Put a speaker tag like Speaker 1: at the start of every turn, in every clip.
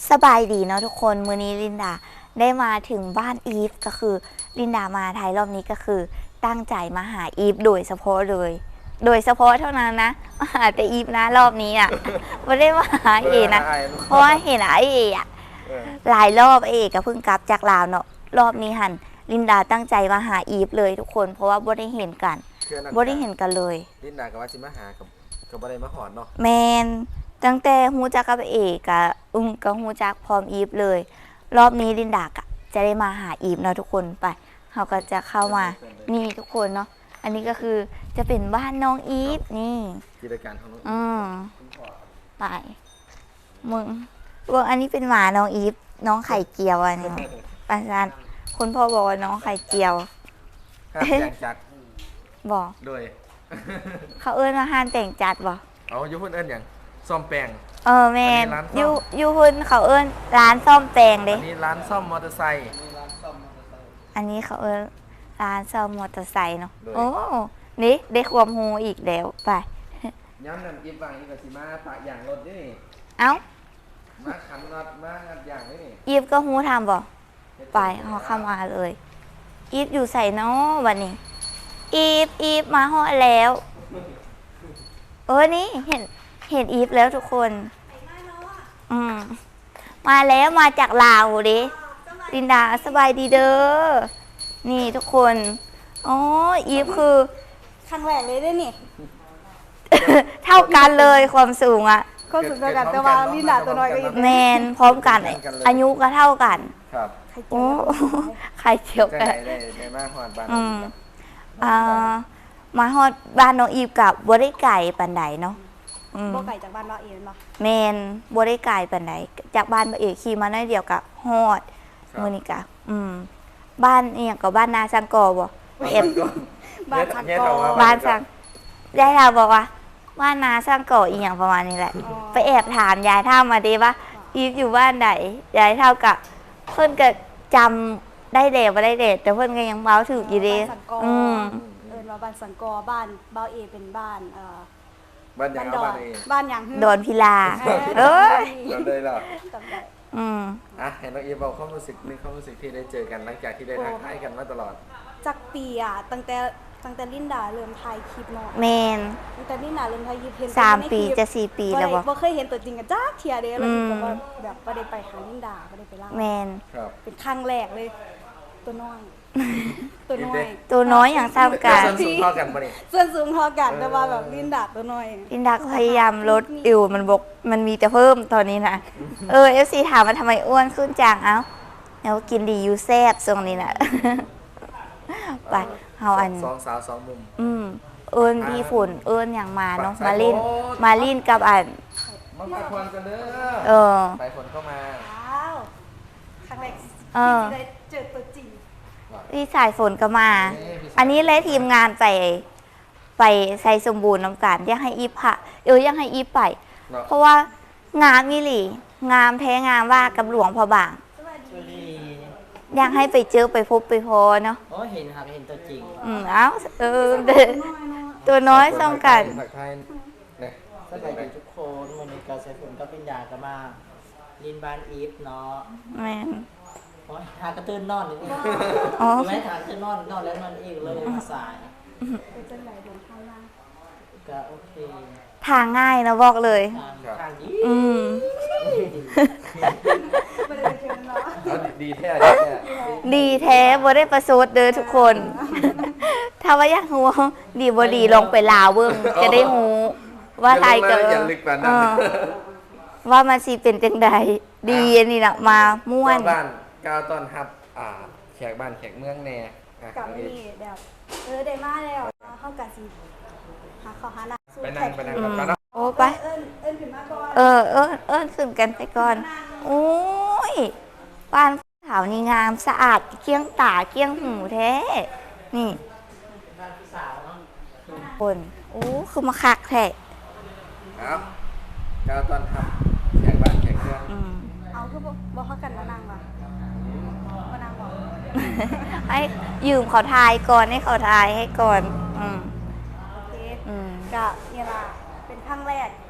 Speaker 1: สบายดีเนาะทุกคนมื้อนี้ลินดาได้มาถึงบ้านอีฟก็คือลินดามาไทยรอบนี้ก็คือตั้งใจมาหาอีฟโดยเฉพาะเลยโดยเฉพาะเท่านั้นนะมาหาแต่อีฟนะรอบนี้อ่ะไม่ได้มาหาเอนะเพราะว่าเห็นไอเออะหลายรอบเอก็เพิ่งกลับจากลาวเนาะรอบนี้หันลินดาตั้งใจมาหาอีฟเลยทุกคนเพราะว่าบ่ได้เห็นกันบ่ได้เห็นกันเลย
Speaker 2: ลินดากับว่าจิมาหากับบ่ได้มาหอนเนาะ
Speaker 1: แมนตั้งแต่ฮู้จักกับเอกกับก็ฮู้จักพร้อมอีฟเลยรอบนี้ลินดากะจะได้มาหาอีฟเนาะทุกคนไปเขาก็จะเข้ามานี่ทุกคนเนาะอันนี้ก็คือจะเป็นบ้านน้องอีฟนี่
Speaker 2: กิจการของน้อง
Speaker 1: ไปมึงว่าอันนี้เป็นหมาน้องอีฟน้องไข่เจียวอันนี้ปัจจุบันคุณพ่อบอกว่าน้องไข่เจียว
Speaker 2: ห้ามจัด
Speaker 1: บอก
Speaker 2: โดย
Speaker 1: เขาเอิ้นว่าห้านแต่งจัดบอก
Speaker 2: เอายุพุ่นเอิ้นอย่างซ่อมแปลง
Speaker 1: แมนยูพุ่นเขาเอิ้นร้านซ่อมแปลงเด้
Speaker 2: อันนี้ร้านซ่อมมอเตอร์ไซค์
Speaker 1: อันนี้เขาเอิ้นร้านซ่อมมอเตอร์ไซค์เนาะโอ้นี่ได้ความฮูอีกแล้วไป
Speaker 2: ย้ำนั่นอีฟวางอีฟกับสิมาปะอย่างรถนี่
Speaker 1: เอ้า
Speaker 2: มาขันน็อตมางัดอย่างนี่
Speaker 1: อีฟก็ฮูทำบ่ไปเขาเข้ามาเลยอีฟอยู่ใส่เนาะวันนี้อีฟมาฮอดแล้วนี่เห็นอีฟแล้วทุกคนมาแล้วมาจากลาวดิลินดาสบายดีเด้อนี่ทุกคนอีฟคือ
Speaker 3: ครั้งแรกเลยได้นี่
Speaker 1: เท่ากันเลยความสูงอะ
Speaker 3: ก็สูงเท่ากันแต่ว่าลินดาตัวน้อยก็อีก
Speaker 1: แมนพร้อมกันอายุก็เท่ากัน
Speaker 2: ครับ
Speaker 1: โอ้ใครเจียวกัน
Speaker 2: ได้มาฮอดบ้าน
Speaker 1: มาฮอดบ้านน้องอีฟกับบัวได้ไก่ปันไดเนาะ
Speaker 3: บัวไก่จากบ้านเราเองเนาะ
Speaker 1: แมนบัวได้ไก่ปันไดจากบ้านเอกขี่มาหน้าเดียวกับฮอดมือนี่กะบ้านเนี่ยกับบ้านนาสังกอบ่เอฟ
Speaker 3: บ้านสังกอ
Speaker 1: บ้านสังยายเราบอกว่าบ้านนาสังกออีอย่างประมาณนี้แหละไปแอบถามยายเท่ามาดีว่าอีฟอยู่บ้านไหนยายเท่ากับเพื่อนก็จำได้เด็ดมาได้เด็ดแต่เพื่อนก็ยังเมาถืออยู่ดี
Speaker 3: บ้านสังกอบ้านเบาเอเป็นบ้าน
Speaker 2: บ้านยังบ้านเอ
Speaker 3: บ้านยัง
Speaker 1: โดนพิลา
Speaker 2: จำได้หรอเห็นน้องอีฟบอกความรู้สึกนึงความรู้สึกที่ได้เจอกันหลังจากที่ได้ทักทายกันมาตลอด
Speaker 3: จากปีตั้งแต่ลินดาเริ่มถ่ายคลิปเนาะ
Speaker 1: แมน
Speaker 3: ตั้งแต่ลินดาเริ่มถ่ายคลิปเห็น
Speaker 1: 3 ปีจะ4 ปีแล้ว
Speaker 3: บ่เคยเห็นตัวจริงกันจ้าเทียเด้แล้วแบบบ่ได้ไปหาลินดาบ่ได้ไปล่า
Speaker 1: แมน
Speaker 3: เป็นครั้งแรกเลยตัวน้อย
Speaker 1: อย่างเท่ากัน
Speaker 2: ส่วนสูงเท่ากันปะนี่
Speaker 3: ส่วนสูงเท่ากันแต่ว่าแบบลินดาตัวน้อย
Speaker 1: ลินดาพยายามลดอยู่มันมีแต่เพิ่มตอนนี้นะFC ถามว่าทำไมอ้วนขึ้นจังเอ้าแล้วกินดีอยู่แซ่บทรงนี้นะไปเอาอัน
Speaker 2: 2 สาว 2 มุม
Speaker 1: พี่ฝุ่นอย่างมาเนาะมาลินกับอัน
Speaker 2: มาไปคนกันเด้อไปคนเข้ามา
Speaker 3: ครั้งแรกที่ได้เจอตัวจริง
Speaker 1: พี่สายฝนก็มาอันนี้เลยทีมงานไปใส่สมบูรณ์น้ำกันยังให้อีพะยังให้อีไปเพราะว่างามมิหลีงามแท้งามว่ากับหลวงพอบางยังให้ไปเจอไปพบไปพอเนาะ
Speaker 4: เห็นครับเห็นตัวจริง
Speaker 1: ตัวน้อยต้องกัน
Speaker 4: สบายดีทุกคนวันนี้การใส่ฝนก็เป็นยากันมาลินบานอีฟเนาะ
Speaker 1: แม่
Speaker 4: ทากระตื้นนอนนี่ไม่ทากระตื้นนอนแล้วนอนอีกเลยมาสาย
Speaker 3: เป็นไหนเดินทางล่าง
Speaker 4: ก็โอเค
Speaker 1: ทางง่ายนะบอกเลย
Speaker 4: ทางดี
Speaker 1: ดีแท้บ่ได้ประสดเด้อทุกคนถ้าว่าอยากรู้ดีบ่ดีลงไปลาวเบิ่งจะได้รู้ว่าไทยเกิดว่ามันสิเป็นจังใดดีอันนี้นะมาม่วน
Speaker 2: บ้านก้าวต้อนรับแขกบ้านแขกเมืองแน่
Speaker 3: กับนี่แบบได้มาแล้วเข้ากันสิหาข้าวหาน้ำ
Speaker 2: ไปนั่งกันนะ
Speaker 1: โอ้ไป
Speaker 3: ขึ้นมาก่
Speaker 1: อนขึ้นกันไปก่อนโอ้ยบ้านขาวนี่งามสะอาดเกี้ยงตาเกี้ยงหูแท้นี่คนโอ้คือมาคักแท้
Speaker 2: ครับก้าวต้อนรับแขกบ้านแขกเมือง
Speaker 3: เอาคือบอกเขากันมานั่งว่ะมานั่งบอก
Speaker 1: ให้ยืมเขาทายก่อนให้เขาทายให้ก่อน
Speaker 3: โอเคกะเนี่ยล่ะเป็นครั้งแรกก็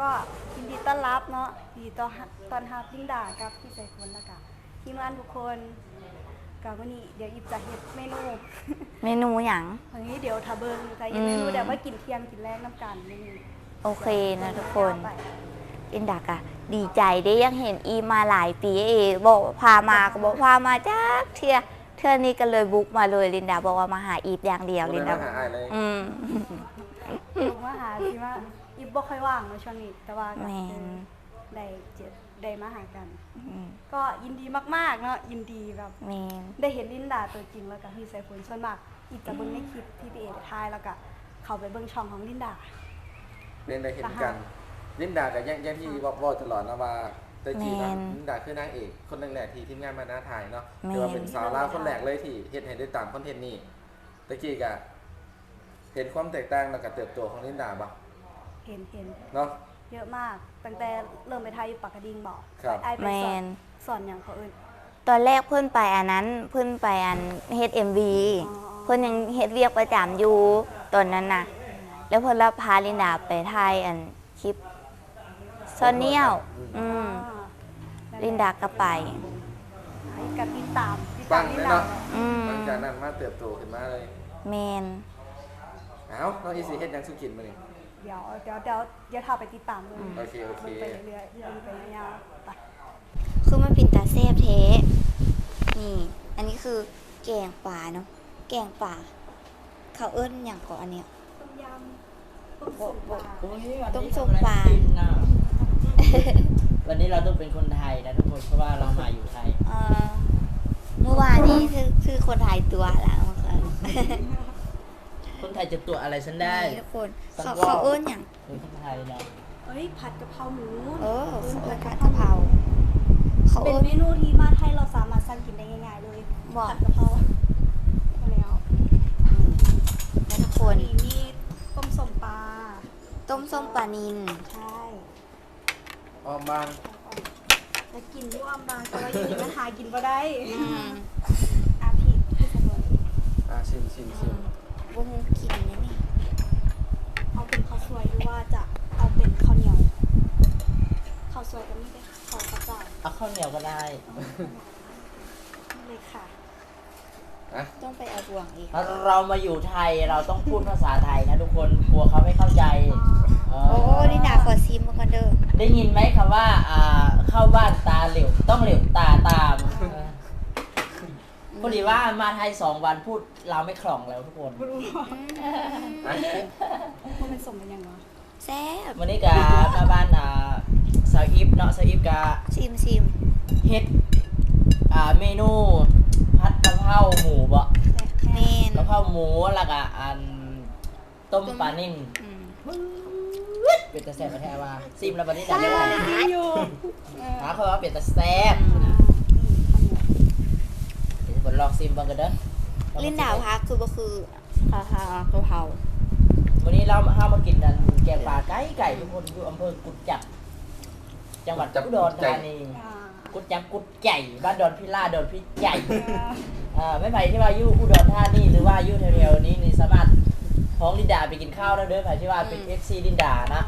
Speaker 3: ก็ยินดีต้อนรับเนาะยินดีต้อนรับลินดากับพี่สายฝนแล้วก็ทีมงานทุกคนกับวันนี้เดี๋ยวอิบจะเฮ็ดเมนู
Speaker 1: เมนูหยัง
Speaker 3: วันนี้เดี๋ยวถ้าเบิ่งจะเฮ็ดเมนูเดี๋ยวมากินเที่ยงกินแรกน้ำกันนี่
Speaker 1: โอเคนะทุกคนลินดากะดีใจได้ยังเห็นอีมาหลายปีบอกว่าพามาก็บอกพามาจ้าเทื่อนี้ก็เลยบุกมาเลยลินดาบอกว่ามาหาอีฟอย่างเดียวลินดา
Speaker 2: หาอ้ายเลย
Speaker 3: ผมว่าหาสิว่าอิบบ่ค่อยว่างในช่วงนี้แต่ว่าก็
Speaker 1: แมน
Speaker 3: ได้มาหากัน
Speaker 1: อืม
Speaker 3: ก็ยินดีมากๆเนาะยินดีแบบ
Speaker 1: แมน
Speaker 3: ได้เห็นลินดาตัวจริงแล้วก็พี่สายฝนส่วนมากอิบจะเบิ่งในคลิปที่พี่เอถ่ายแล้วก็เข้าไปเบิ่งช่องของลินดา
Speaker 2: เรียนได้เห็นกันลินดากับยังที่บอกตลอดนะว่าตะกี้นะลินดาคือนางเอกคนแรกๆที่ทีมงานมาหน้าถ่ายเนาะหรือว่าเป็นสาวลาวคนแรกเลยที่เฮ็ดให้ได้ตามคอนเทนต์นี้ตะกี้ก็เห็นความแตกต่างแล้วก็เติบโตของลินดาบ่
Speaker 3: เห็น
Speaker 2: เนาะ
Speaker 3: เยอะมากตั้งแต่เริ่มไปถ่ายอยู่ปากกระดิ่งบอก
Speaker 2: ครับ
Speaker 3: ไอไป
Speaker 1: แม
Speaker 3: สอน สอนอย่างเขาเอิ้น
Speaker 1: ตอนแรกเพื่อนไปอันนั้นเพื่อนไปอันเฮ็ดMV
Speaker 3: อ๋อ
Speaker 1: เพื่อนยังเฮ็ดเวียกประจำอยู่ตอนนั้นน่ะ แล้วเพื่อนรับพาลินดาไปถ่ายอันคลิปซอนเนียลลินดาก็ไป
Speaker 3: กับติดตาม
Speaker 2: ปัง
Speaker 3: ลิ
Speaker 2: เล
Speaker 3: น
Speaker 2: ย
Speaker 3: ดา
Speaker 2: เนาะ
Speaker 1: อืม
Speaker 2: หลังจากนั้นมาเติบโตขึ้นมาเลย
Speaker 1: แมน
Speaker 2: เอ้าน้องอีสิเฮ็ดหยังสุกินมื้อนี้
Speaker 3: เดี๋ยวพาไปติดตามเลย
Speaker 2: โอเค
Speaker 3: ไปเรื่อยๆไปยาวๆไป
Speaker 1: คือมันเป็นตาแซ่บเทนี่ อันนี้คือแกงป่าเนาะแกงป่าเขาเอิ้นอย่างก่อนอันเนี้ย
Speaker 3: ต้มยำต้มสุกปลา
Speaker 1: ต้มส้มปลา
Speaker 4: วันนี้เราต้องเป็นคนไทยนะทุกคนเพราะว่าเรามาอยู่ไทย
Speaker 1: เมื่อวานนี้คือคนถ่ายตัวแล้วเมื่อคืน
Speaker 4: คนไทยจะตัวอะไรฉันได้
Speaker 1: นี่ทุกคนเขาเอิ้นอย่าง
Speaker 4: เป็นคนไทยเนาะ
Speaker 3: เอ้ยผัดกะเพราหมู
Speaker 1: ผัดกะเพราเขา
Speaker 3: เป็น
Speaker 1: เอิ้น
Speaker 3: เมนูที่มาไทยเราสามารถสั่งกินได้ง่ายๆเลย
Speaker 1: บอก
Speaker 3: ผัดกะเพรามาแล้ว
Speaker 1: แล้วทุกคน
Speaker 3: มีต้มส้มปลา
Speaker 1: ต้มส้มปลานิล
Speaker 3: ใช่
Speaker 2: ออมบาง
Speaker 3: จะกินที่อ้อมบางแต่ว่าอยู่นี่มันหากินบ่ได้
Speaker 1: อืม
Speaker 3: อาพี่สมบูรณ์
Speaker 2: ชิม
Speaker 1: บุ้งกินนี่นี่
Speaker 3: เอาเป็นข้าวสวยหรือว่าจะเอาเป็นข้าวเหนียวข้าวสวยก็มีเลยข้าวกระเจ้า
Speaker 4: เอาข้าวเหนียวก็ได้
Speaker 3: นี่เลยค่ะ
Speaker 2: อ่ะ
Speaker 1: ต้องไปเอาบ่วงอีก
Speaker 4: เรามาอยู่ไทยเราต้องพูดภาษาไทยนะทุกคนกลัวเขาไม่เข้าใจเออ
Speaker 1: โอ้นี่นาขอซิมมาก่อนเด้อ
Speaker 4: ได้ยินไหมคำว่าเข้าบ้านตาเหลวต้องเหลวตาตามพอดีว่ามาไทย2 วันพูดเราไม่คล่องแล้วทุกคน
Speaker 3: มันเป็นสมเป็นยังไง
Speaker 1: แซ่บ
Speaker 4: วันนี้กับมาบ้านสาวอิฟเนาะสาวอิฟกับ
Speaker 1: ซิม
Speaker 4: เฮ็ดเมนูผัดกะเพราหมูบ่
Speaker 1: เมน
Speaker 4: กะเพราหมูแล้วก็อันต้มปลานิ่ม
Speaker 1: อืม
Speaker 4: เป็นตาแซ่บมาแท้ว่าซิมแล้วบัดนี้ดังได้ไหม
Speaker 3: อยู่
Speaker 4: หาเขาว่าเป็นตาแซ่บเดี๋ยวผมลองซิมเบ้างกันเด้อ
Speaker 1: ลินดาวพักคือก็คือข้าวกะเพรา
Speaker 4: วันนี้เรามากินกันแกงปลาไก่ทุกคนอยู่อำเภอกุดจับจังหวัดอุดรธานีกุดจับกุดใหญ่บ้านดอนพิล่าดอนพิใหญ่ไม่ไปที่ว่าอยู่อุดรธานีหรือว่าอยู่แถวๆนี้นี่สามารถท้องลินดาไปกินข้าวได้เด้อใครที่ว่าเป็น FC ลินดานะ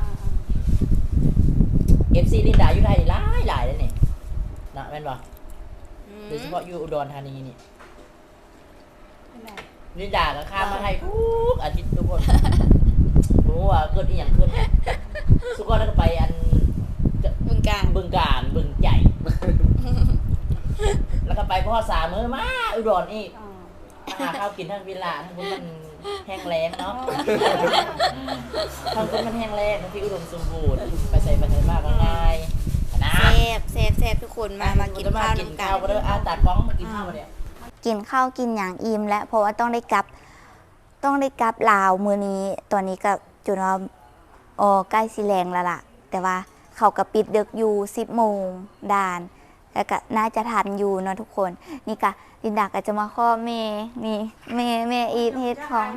Speaker 4: FC ลินดาอยู่ไทยหลายเลยนี่นะแม่นบ่โดยเฉพาะอยู่อุดรธานีนี่ลินดาก็ข้ามมาไทยทุกอาทิตย์ทุกคนรู้ว่าเกิดอีหยังขึ้นสุกรแล้วก็ไปอัน
Speaker 1: บึงการ
Speaker 4: บึงใหญ่ แล้วก็ไปพ่อสามมื้อมาอุดรอีกหาข้าวกินทั้งวิลล่าทั้งคุณมันแห้งแล้งเนาะทั้งคุณมันแห้งแล้งทั้งที่อุดมสมบูรณ์ไปใส่ไปใส่มากง่ายนะ
Speaker 1: แซ่บทุกคนมากินข้าว
Speaker 4: กิน
Speaker 1: น้ำกั
Speaker 4: ข้าวน ก็เด้อตากล้องมากินข้าวเนี่ย
Speaker 1: กินข้าวกินอย่างอิ่มและเพราะว่าต้องได้กลับลาวมือนี้ตอนนี้ก็จนว่าใกล้สิแรงแล้วล่ะ แต่ว่าเขาก็ปิดดึกอยู่10 โมงด่านแล้วก็น่าจะทันอยู่เนาะทุกคนนี่ก็ลินดาก็จะมาข้อแม่นี่แม่อีทเฮ็ดของ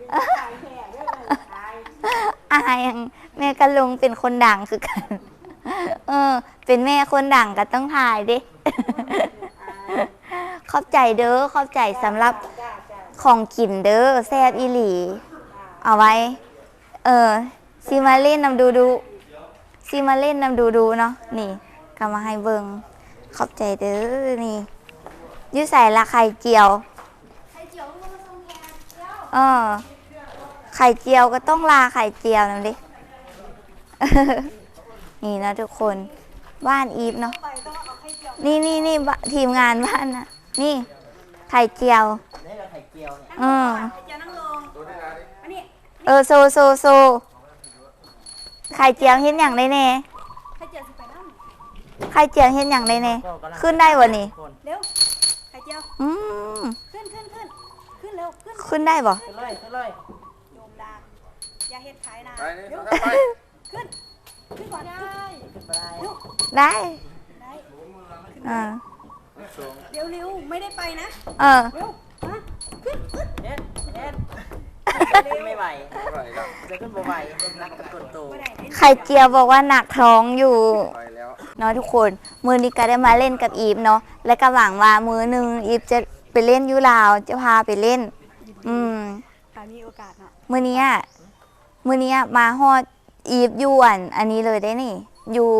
Speaker 1: อายยังแม่กับลุงเป็นคนดังคือกันเป็นแม่คนดังก็ต้องถ่ายดิ ขอบใจเด้อขอบใจสำหรับของกินเด้อแซ่บอีหลีเอาไว้ซิมาเล่นนำดูซีมาเล่นนำดูเนาะนี่ก็มาให้เบิงขอบใจเด้อนี่อยูใส่ละไข่เจียวไข่เจียวก็ต้องลาไข่เจียวนั่นดิ นี่นะทุกคนบ้านอีฟเนาะนี่ทีมงานบ้านนะนี่ไข่เจียว
Speaker 4: นี่เราไข่เจียวเนี่ย
Speaker 3: ไข่เจียวนั่งลง
Speaker 2: ตัวนี้นะนี่
Speaker 3: อันนี้
Speaker 1: โซไข่เจียวเห็นอย่างไรเน่
Speaker 3: ไข่เจียวสิไปนั่ง
Speaker 1: ไข่เจียวเห็นอย่างไรเน่
Speaker 4: ก็กำลัง
Speaker 1: ขึ้นได้วะนี่
Speaker 4: คน
Speaker 3: เร็วไข่เจียว
Speaker 1: อืม
Speaker 3: ขึ้นเร็วขึ้น
Speaker 1: ขึ้นได้บ่
Speaker 4: ขึ้นเลย
Speaker 3: โยมดาอย่าเฮ็ดขายนะ
Speaker 2: ไปนี่
Speaker 3: เร็ว
Speaker 2: ไป
Speaker 3: ขึ้นก่อนได้
Speaker 4: ขึ้นไปได้
Speaker 1: ได้
Speaker 3: ได้
Speaker 1: อ่า
Speaker 3: เร็วไม่ได้ไปนะ
Speaker 1: เออ
Speaker 3: เร็วมาขึ้น
Speaker 4: เน็ตไม่ไหว
Speaker 2: ไปแล้ว
Speaker 4: จะขึ้นบ่ไหวนักกดโต
Speaker 3: ไม่ได้เล่น
Speaker 1: ไข่เจียวบอกว่าหนักท้องอยู่
Speaker 2: ไปแล้ว
Speaker 1: เนาะทุกคนมือนี้ก็ได้มาเล่นกับอีฟเนาะและก็หวังว่ามือหนึ่งอีฟจะไปเล่นอยูลาวจะพาไปเล่น
Speaker 3: ค่ะมีโอกาสเนาะ
Speaker 1: มือนี้มาฮอดอีฟอยู่อันนี้เลยได้นี่ อยู่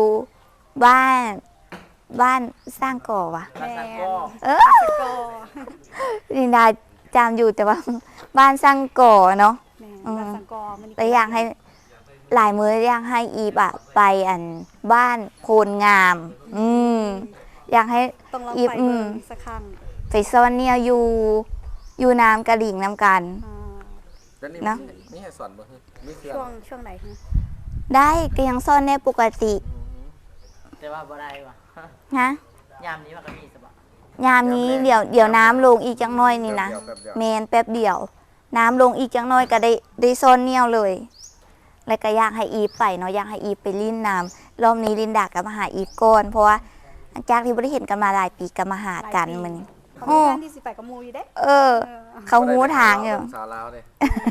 Speaker 1: บ้านสร้างก่อวะ
Speaker 4: มาสังก็
Speaker 1: เออ
Speaker 3: ก็
Speaker 1: ลินดาจำอยู่แต่ว่า บ้านสร้างก่อเนาะ
Speaker 3: แม่
Speaker 1: อืม
Speaker 3: รัสังกอมัน
Speaker 1: แต่อยากให้หลายมืออยากให้อีฟอะไปบ้านโพนงาม อยากให้
Speaker 3: ต้องลอง
Speaker 1: อีฟ
Speaker 3: ไปเบิ่งสักครั้ง
Speaker 1: ไปซ่อนเนี่ยอยู่น้ำกระดิ่งน้ำกัน
Speaker 3: อ่า
Speaker 2: แล้วนี่
Speaker 1: เนอะ
Speaker 2: นี่ให้สอนบ่ฮึมีเสื้อ
Speaker 3: ช่วงไหนคะ
Speaker 1: ได้ก็ยังซ่อนได้ปกติ
Speaker 4: แต่ว่าบ่ได้ว่ะ
Speaker 1: ฮะ
Speaker 4: ยามนี้มันก็มีสบะ
Speaker 1: ยามนี้เดี๋ยวน้ำลงอีกจังน้อยนี่นะ
Speaker 2: แป๊บเดียว
Speaker 1: เมนแป๊บเดียว น้ำลงอีกจังน้อยก็ได้ซ่อนเนี่ยเลย แล้วก็อยากให้อีฟไปเนาะอยากให้อีฟไปลิ้นน้ำรอบนี้ลินดากับมาหาอีฟก่อนเพราะว่าจากที่ไม่ได้เห็นกันมาหลายปีก็มาหากันมัน
Speaker 3: เขามีงานที่สิไปกับหมูอยู่เด้
Speaker 1: เออ เขาหูทางอยู่
Speaker 2: สาวลาวเลย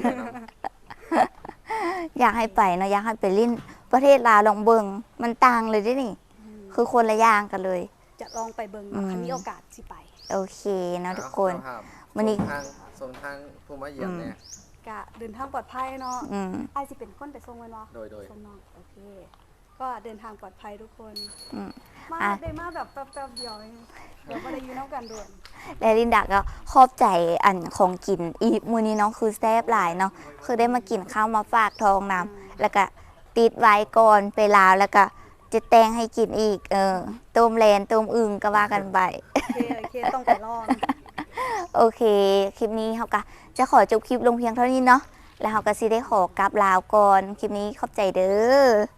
Speaker 1: อยากให้ไปเนาะอยากให้ไปลิ้นประเทศลาวลองเบิงมันต่างเลยเด้นี่ คือคนละอย่างกันเลย
Speaker 3: จะลองไปเบิ่งเนาะคันมีโอกาสสิไป
Speaker 1: โอเคเนาะทุกคน
Speaker 2: เอา
Speaker 1: วันนี้
Speaker 2: ส่งทางผู้มาเยี่ยมเนี่ย
Speaker 3: กะเดินทางปลอดภัยเนาะ
Speaker 1: อืม
Speaker 3: ไอ้ายสิเป็นคนไปส่งแม่นบ่
Speaker 2: โดย
Speaker 3: ส่งน้องโอเค ก็เดินทางปลอดภัยทุกคน
Speaker 1: อืม
Speaker 3: มา
Speaker 1: อ่ะ
Speaker 3: ได้มาแบบแป๊บๆเดียวเองเดี๋ยวบ่ได้อยู่นำกันด่วน
Speaker 1: และลินดาก็ขอบใจอันของกินอีกมื้อนี้เนาะคือแซ่บหลายเนาะคือได้มากินข้าวมาฝากทองน้ำแล้วก็ติดไว้ก่อนไปลาวแล้วก็จะแต่งให้กินอีกต้มแลนต้มอึ่งก็ว่ากันไป
Speaker 3: โอเคต้องไปลอง
Speaker 1: โอเค คลิปนี้เขาก็จะขอจบคลิปลงเพียงเท่านี้เนาะแล้วเขาก็สิได้ขอกลับลาวก่อนคลิปนี้ขอบใจเด้อ